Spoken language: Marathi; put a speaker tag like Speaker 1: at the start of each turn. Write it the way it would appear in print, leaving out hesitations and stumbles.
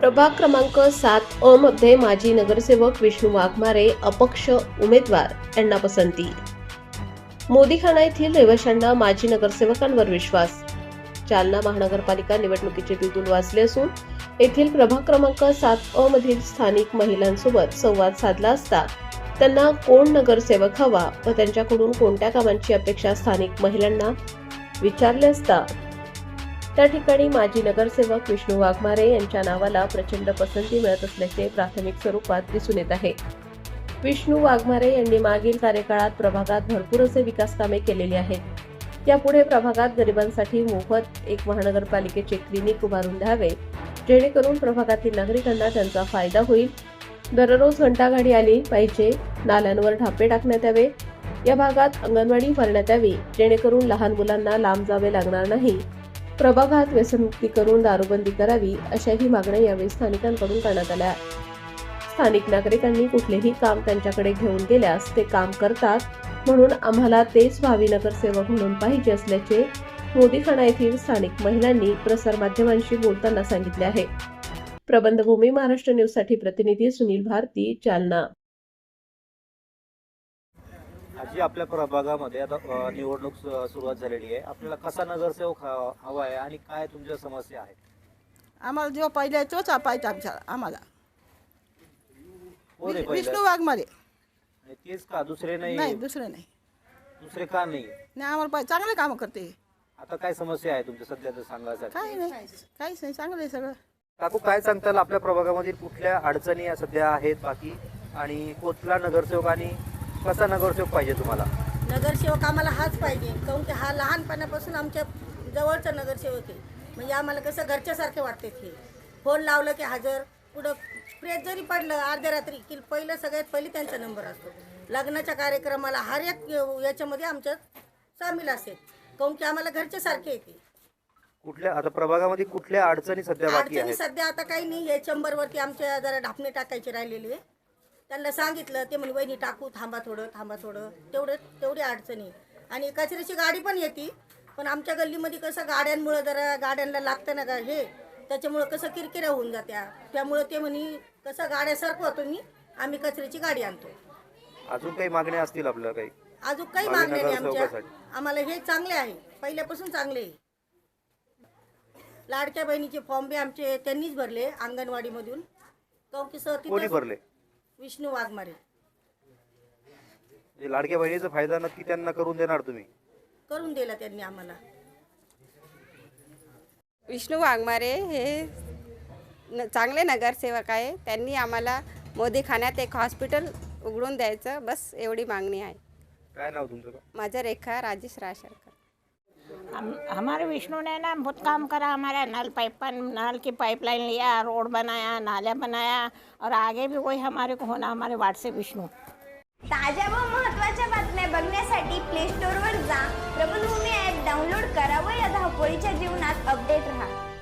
Speaker 1: प्रभाग क्रमांक 7 मध्ये माजी नगरसेवक विष्णू वाघमारे अपक्ष उमेदवार यांना पसंती। मोदीखाना येथील रहिवाशांना माजी नगरसेवकांवर विश्वास। जालना महानगरपालिका निवडणुकीचे बिगुल वाजले असून येथील प्रभाग क्रमांक 7 मधील स्थानिक महिलांसोबत संवाद साधला असता त्यांना कोण नगरसेवक हवा व त्यांच्याकडून कोणत्या कामांची अपेक्षा स्थानिक महिलांना विचारले असता त्या ठिकाणी माजी नगरसेवक विष्णू वाघमारे यांच्या नावाला प्रचंड पसंती मिळत असल्याचे प्राथमिक स्वरूपात दिसून येत आहे। विष्णू वाघमारे यांनी मागील कार्यकाळात प्रभागात भरपूर असे विकास कामे केलेली आहेत। यापुढे प्रभागात गरिबांसाठी मोफत एक महानगरपालिकेचे क्लिनिक उभारून द्यावे, जेणेकरून प्रभागातील नागरिकांना त्यांचा फायदा होईल। दररोज घंटागाडी आली पाहिजे, नाल्यांवर ढापे टाकण्यात यावे, या भागात अंगणवाडी उभारण्यात यावी, जेणेकरून लहान मुलांना लांब जावे लागणार नाही। प्रभागात व्यसनमुक्ती करून दारूबंदी करावी, अशाही मागण्या यावेळी स्थानिकांकडून करण्यात आल्या। स्थानिक नागरिकांनी कुठलेही काम त्यांच्याकडे घेऊन गेल्यास ते काम करतात, म्हणून आम्हाला तेच भावी नगरसेवक म्हणून पाहिजे असल्याचे मोदीखाना येथील स्थानिक महिलांनी प्रसारमाध्यमांशी बोलताना सांगितले आहे। प्रबंधभूमी महाराष्ट्र न्यूज साठी प्रतिनिधी सुनील भारती, जालना।
Speaker 2: आजी, आपल्या प्रभागामध्ये आता निवडणूक सुरुवात झालेली आहे। आपल्याला कसा नगरसेवक हवा आहे आणि काय तुमच्या समस्या आहेत?
Speaker 3: आम्हाला जो पहिले तोच पाहिजे आम्हाला विष्णू वाघमारे।
Speaker 2: तेच का? दुसरे नाही?
Speaker 3: नाही, दुसरे नाही।
Speaker 2: दुसरे का नाही?
Speaker 3: नाही, आम्हाला पाहिजे चांगले काम करते।
Speaker 2: आता काय समस्या आहे तुमच्या सध्या सांगायचं?
Speaker 3: काही नाही, काहीच नाही, चांगलं आहे सगळं।
Speaker 2: काकू, काय सांगताल आपल्या प्रभागामधील कुठल्या अडचणी सध्या आहेत बाकी, आणि कुठला नगरसेवक आणि कसा नगरसेवक पाहिजे तुम्हाला?
Speaker 4: नगरसेवक आम्हाला हाच पाहिजे, काऊन की हा लहानपणापासून आमच्या जवळचा नगरसेवक आहे। म्हणजे आम्हाला कसं घरच्यासारखे वाटते ते। फोन लावलं की हजर, पुढं प्रेस जरी पडलं अर्ध्या रात्री की पहिलं सगळ्यात पहिली त्यांचा नंबर असतो। लग्नाच्या कार्यक्रमाला हर एक याच्यामध्ये आमच्यात सामील असेल, काऊन की आम्हाला घरच्यासारखे येते।
Speaker 2: कुठल्या आता प्रभागामध्ये कुठल्या अडचणी सध्या बाकी
Speaker 4: अडचणी
Speaker 2: आहेत?
Speaker 4: सध्या आता काही नाही आहे। चंबरवरती आमच्या जरा ढापणे टाकायचे राहिलेले आहे, त्यांना सांगितलं, ते म्हणे वहिनी टाकू, थांबा थोडं तेवढी अडचणी। आणि कचऱ्याची गाडी पण येते, पण आमच्या गल्लीमध्ये कसं गाड्यांमुळं जरा गाड्यांना लागतं ना हे, त्याच्यामुळं कसं किरकिऱ्या होऊन जात्या। त्यामुळं ते म्हणे कसं गाड्या सरकवतो मी, आम्ही कचऱ्याची गाडी आणतो।
Speaker 2: अजून काही मागण्या असतील आपल्या? काही
Speaker 4: अजून काही मागण्या नाही आमच्या, आम्हाला हे चांगले आहे, पहिल्यापासून चांगले आहे। लाडक्या बहिणीचे फॉर्म बी आमचे त्यांनीच भरले अंगणवाडीमधून।
Speaker 2: कोणी भरले?
Speaker 4: विष्णू वाघमारे।
Speaker 2: लाडक्या बहिणीचा फायदा नक्की त्यांना करून देणार तुम्ही?
Speaker 4: करून दिला त्यांनी आम्हाला।
Speaker 5: विष्णू वाघमारे हे चांगले नगरसेवक आहे। त्यांनी आम्हाला मोदीखान्यात एक हॉस्पिटल उघडून द्यायचं, बस एवढी मागणी आहे।
Speaker 2: काय नाव तुमचं?
Speaker 5: माझं रेखा राजेश राशरकर।
Speaker 6: हमारे विष्णु ने ना बहुत काम करा, हमारा नल की पाइपलाइन लिया, रोड बनाया, नाला बनाया, और आगे भी वही हमारे को होना, हमारे वार्ड से विष्णु।
Speaker 7: ताज्या व महत्त्वाच्या बातम्या बघण्यासाठी प्ले स्टोअरवर जा, प्रबंधभूमी ॲप डाउनलोड करा व या धावपळीच्या जीवनात अपडेट रहा।